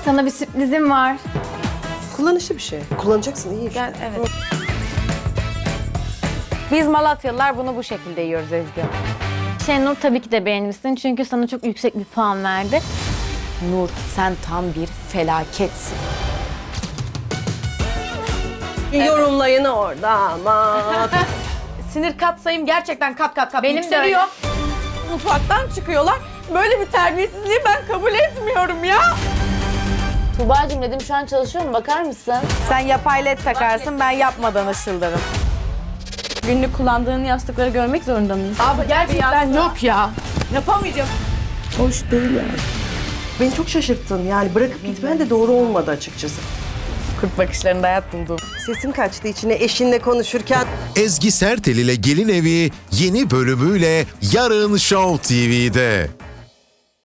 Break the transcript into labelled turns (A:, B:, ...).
A: Sana bir sürprizim var.
B: Kullanışlı bir şey. Kullanacaksın iyi işte.
C: Gel, evet. Biz Malatyalılar bunu bu şekilde yiyoruz Ezgi.
A: Şenur tabii ki de beğenmişsin çünkü sana çok yüksek bir puan verdi.
C: Nur, sen tam bir felaketsin.
B: Yorumlayın orada ama.
C: Sinir katsayım gerçekten kat
A: Benim de
C: yükseliyor.
A: öyle.
C: Mutfaktan çıkıyorlar. Böyle bir terbiyesizliği ben kabul etmiyorum ya.
D: Tuğba'cığım dedim şu an çalışıyor mu? Bakar mısın?
C: Sen yapay led takarsın, ben yapmadan ışıldırım.
E: Günlük kullandığın yastıkları görmek zorunda mıyız?
C: Abi gerçekten yok ya. Yapamayacağım.
E: Hoş değil yani.
B: Beni çok şaşırttın yani bırakıp gitmen de doğru olmadı açıkçası.
C: Kurt bakışlarında hayat buldum.
B: Sesin kaçtı içine eşinle konuşurken.
F: Ezgi Sertel ile Gelin Evi yeni bölümüyle yarın Show TV'de.